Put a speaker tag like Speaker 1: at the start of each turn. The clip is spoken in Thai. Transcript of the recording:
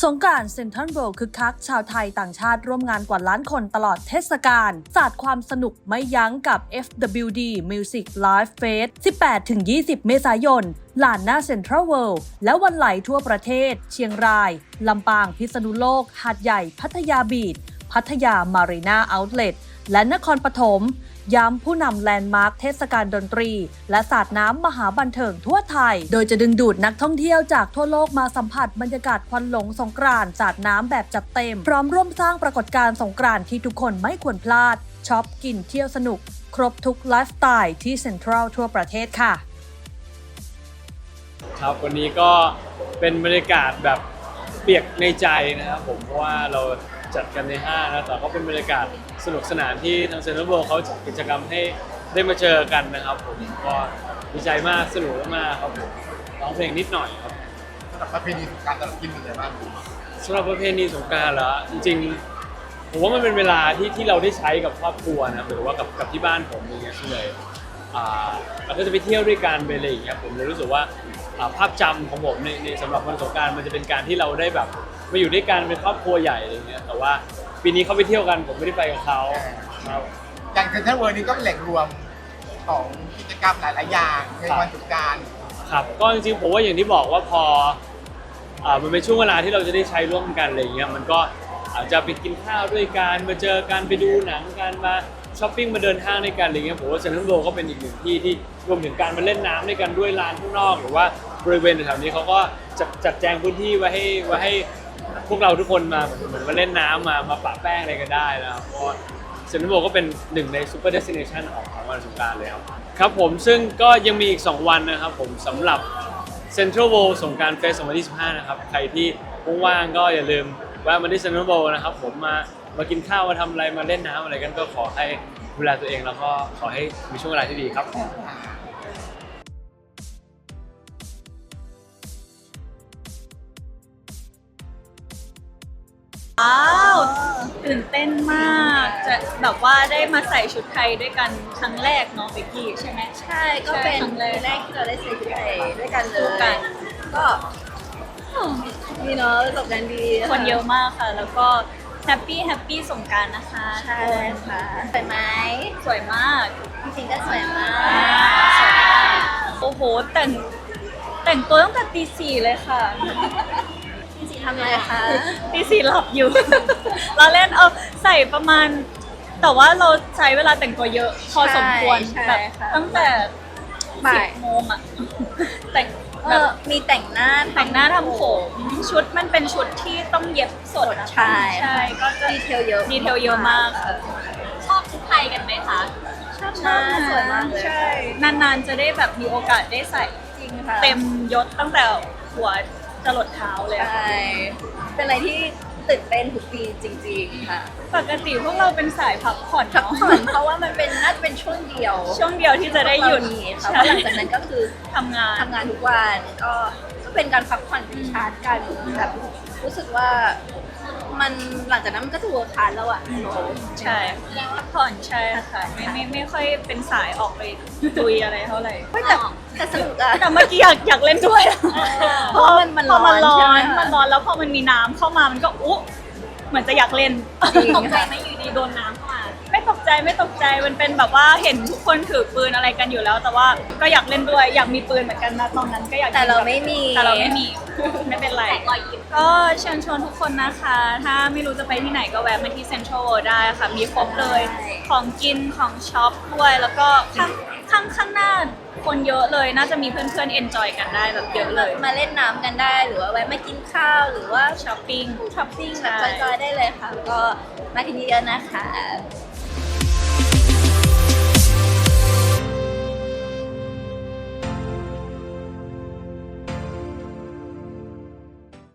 Speaker 1: งกรานต์เซ็นทรัลเวิลด์คึกคักชาวไทยต่างชาติร่วมงานกว่าล้านคนตลอดเทศกาลสาดความสนุกไม่ยั้งกับ FWD Music Live Fest 18-20 เมษายนลานหน้าเซ็นทรัลเวิลด์และวันไหลทั่วประเทศเชียงรายลำปางพิษณุโลกหาดใหญ่พัทยาบีชพัทยามารีนาเอาท์เลทและนครปฐมย้ำผู้นำแลนด์มาร์คเทศกาลดนตรีและสาดน้ำมหาบันเทิงทั่วไทยโดยจะดึงดูดนักท่องเที่ยวจากทั่วโลกมาสัมผัสบรรยากาศควันหลงสงกรานต์สาดน้ำแบบจัดเต็มพร้อมร่วมสร้างปรากฏการณ์สงกรานต์ที่ทุกคนไม่ควรพลาดช็อปกินเที่ยวสนุกครบทุกไลฟ์สไตล์ที่เซ็นทรัลทั่วประเทศค่ะ
Speaker 2: ครับวันนี้ก็เป็นบรรยากาศแบบเปียกในใจนะครับผมเพราะว่าเราจัดกันในห้างนะแต่ก็เป็นบรรยากาศสนุกสนานที่ทางเซ็นทรัลเวิลด์เขาจัดกิจกรรมให้ได้มาเจอกันนะครับผมก็ดีใจมากสนุกมากครับผมร้องเพลงนิดหน่อยครับ
Speaker 3: สำหรับประเพณีสงกรานต์แต่ละกินเป็นไงบ้าง
Speaker 2: สำหรับประเพณีสงกรานต์เหรอจริงๆผมว่ามันเป็นเวลาที่เราได้ใช้กับครอบครัวนะหรือว่ากับที่บ้านผมอย่างเงี้ยเลยเราก็จะไปเที่ยวด้วยกันไปอะไรอย่างเงี้ยผมเลยรู้สึกว่าภาพจำของผมในสำหรับวันสงกรานต์มันจะเป็นการที่เราได้แบบมาอยู่ด้วยกันเป็นครอบครัวใหญ่อะไรเงี้ยแต่ว่าปีนี้เขาไปเที่ยวกันผมไม่ได้ไปกับเขาครับ
Speaker 3: อย่างเซ็นทรัลเวิลด์นี้ก็เป็นแหล่งรวมของกิจกรรมหลายๆอย่างในวันสงกรานต์
Speaker 2: ครับก็จริงๆผมว่าอย่างที่บอกว่าพอมันเป็นช่วงเวลาที่เราจะได้ใช้ร่วมกันอะไรเงี้ยมันก็อาจจะไปกินข้าวด้วยกันมาเจอกันไปดูหนังกันมาช้อปปิ้งมาเดินห้างด้วยกันอะไรเงี้ยผมว่าเซ็นทรัลเวิลด์ก็เป็นอีกหนึ่งที่ที่รวมถึงการมาเล่นน้ำด้วยกันด้วยลานข้างนอกหรือว่าบริเวณแถวนี้เขาก็จัดแจงพื้นที่ไว้ให้พวกเราทุกคนมาเหมือนมาเล่นน้ำมาปะแป้งอะไรกันได้นะครับเพราะเซ็นทรัลเวิลด์ก็เป็นหนึ่งในซูเปอร์เดสติเนชันของวันสงกรานต์เลยครับครับผมซึ่งก็ยังมีอีก2วันนะครับผมสำหรับเซ็นทรัลเวิลด์สงกรานต์เฟส 2025 นะครับใครที่ว่างๆก็อย่าลืมแวะมาที่เซ็นทรัลเวิลด์นะครับผมมากินข้าวมาทำอะไรมาเล่นน้ำอะไรกันก็ขอให้ดูแลตัวเองแล้วก็ขอให้มีช่วงเวลาที่ดีครับ
Speaker 4: ว้าวตื่นเต้นมากจะแบบว่าได้มาใส่ชุดไทยด้วยกันครั้งแรกเนาะเบกกี้ใช่ไหม
Speaker 5: ใช่ก็เป็นปีแรกที่เราได้ใส่ชุดไทยด้วยกันเลยก็ดีเนาะจบกันดี
Speaker 4: คนเยอะมากค่ะแล้วก็แฮปปี้สงกรานต์นะคะ
Speaker 5: ใช่ค่ะสวยไหม
Speaker 4: สวยมาก
Speaker 5: จริงๆก็สวยมาก
Speaker 4: โอ้โหแต่งตัวตั้งแต่ตี 4เลยค่ะ
Speaker 5: ตี 4ทำอะไรคะ
Speaker 4: ตี 4หลับอยู่ เราเล่นใส่ประมาณแต่ว่าเราใช้เวลาแต่งตัวเยอะพอสมควรแบบตั้งแต่10 โมงอะแต่ง
Speaker 5: มีแต่งหน้า
Speaker 4: ทำผมชุดมันเป็นชุดที่ต้องเย็บสด
Speaker 5: ใช่
Speaker 4: ก็จะ
Speaker 5: ดีเทลเยอะ
Speaker 4: มากค่ะชอบชุดไทยกันไหมคะ
Speaker 5: ชอบสวยมากเลย
Speaker 4: ใช่นานๆจะได้แบบมีโอกาสได้ใส่
Speaker 5: จริงค่ะ
Speaker 4: เต็มยศตั้งแต่หัวจรดเท้าเลย
Speaker 5: ใช่เป็นอะไรที่ตื่นเต้นทุกปีจริงๆค่ะ
Speaker 4: ปกติพวกเราเป็นสายพักผ่อน
Speaker 5: เพราะว่ามันเป็นน่าจะเป็นช่วงเดียว
Speaker 4: ที่จะได้หยุด
Speaker 5: ค่ะเพราะหลังจากนั้นก็คือ
Speaker 4: ทำง
Speaker 5: านทุกวันก็เป็นการพักผ่อนที่ชาร์จกันแบบรู้สึกว่ามันหลังจากนั้นมันก็จะเวิร์คฮาร์ดแล้วอ่ะ
Speaker 4: ใช่พักผ่อนใช่ค่ะไม่ค่อยเป็นสายออกไปลุยอะไรเท่าไหร่
Speaker 5: แต่สนุกอะ
Speaker 4: แต่เมื่อกี้อยากเล่นด้วย
Speaker 5: เพราะมันร้อน
Speaker 4: แล้วพอมันมีน้ำเข้ามามันก็เหมือนจะอยากเล่น
Speaker 5: ตกใจไหมอยู่ดีโดนน้ำเข้ามา
Speaker 4: ไม่ตกใจมันเป็นแบบว่าเห็นทุกคนถือปืนอะไรกันอยู่แล้วแต่ว่าก็อยากเล่นด้วยอยากมีปืนเหมือนกันนะตอนนั้นก็อยาก
Speaker 5: แต่เราไม่มี
Speaker 4: ไม่เป็นไรก็เชิญชวนทุกคนนะคะถ้าไม่รู้จะไปที่ไหนก็แวะมาที่เซ็นทรัลเวิลด์ได้ค่ะมีครบเลยของกินของช็อปด้วยแล้วก็ข้างหน้าคนเยอะเลยน่าจะมีเพื่อนๆเอนจอยกันได้แบบเยอะเลย
Speaker 5: มาเล่นน้ำกันได้หรือว่าแวะมากินข้าวหรือว่า
Speaker 4: ช้อปปิ้ง
Speaker 5: แบบจอยๆได้เลยค่ะก็มาที่นี่เยอะนะคะ